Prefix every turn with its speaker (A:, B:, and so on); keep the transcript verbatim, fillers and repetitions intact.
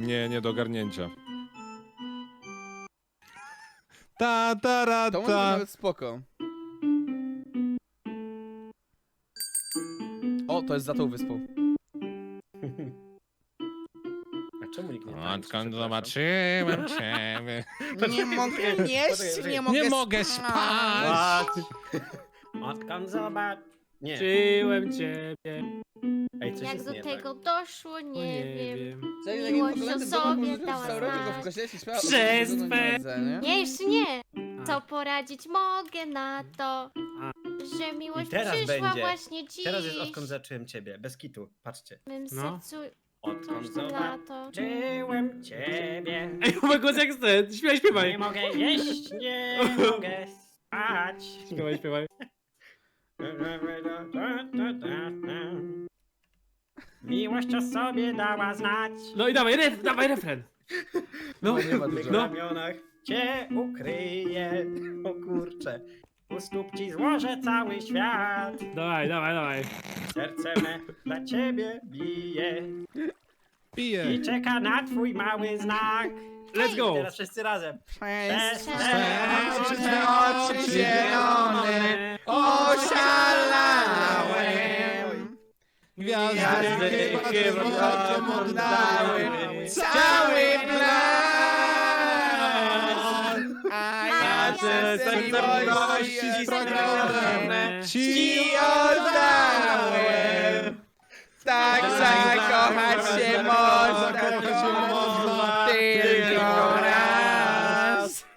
A: Nie, nie do ogarnięcia. Ta, ta, ra,
B: To może być
A: ta.
B: nawet spoko. O, to jest za tą wyspą.
C: A czemu nikt nie tańczy?
A: Odkąd
C: Przepraszam.
A: zobaczyłem ciebie.
B: Nie mogę jeść,
C: poczekaj,
B: nie mogę
A: Nie mogę spać.
C: Odkąd zobacz... Nie.
D: Czyłem ciebie.
C: Ej, coś
E: Jak
C: jest
E: do
C: nie
E: tego
C: tak.
E: doszło,
D: O
E: nie, wiem.
B: Miłość
E: Miłość o sobie dała znać.
B: w kościele się śpiewa o
D: Przez
B: tym, że
D: twe-
B: nie widzę, nie?
E: Nie, jeszcze nie.
D: A.
E: Co poradzić mogę na to,
D: A.
E: że miłość
C: I teraz
E: przyszła
C: będzie.
E: właśnie dziś.
C: Teraz jest odkąd zacząłem ciebie, bez kitu, patrzcie.
E: W mym
D: No.
E: sercu
C: Odkąd
E: wciąż lato.
C: zobaczyłem ciebie.
D: Ej, ma głos jak ten. Śpiewaj, śpiewaj.
C: Nie mogę jeść, nie mogę spać.
D: Śpiewaj, śpiewaj.
C: Miłość o sobie dała znać.
D: No i dawaj, ref, dawaj refren. No,
B: Nie ma
C: W
B: dużo.
C: tych ramionach cię ukryję. O kurcze. U stóp ci złożę cały świat.
D: dawaj, dawaj, dawaj.
C: Serce me dla ciebie bije.
A: Piję.
C: I czeka na twój mały znak.
D: Let's go.
C: Teraz wszyscy razem.
B: Przez
E: Przez
B: twe
E: twe
B: oczy zielone oszalałem.
A: Gwiazdy chyba oczom oddały
B: cały blask. A ja serce miłości spragnione ci oddałem. Tak zakochać się można.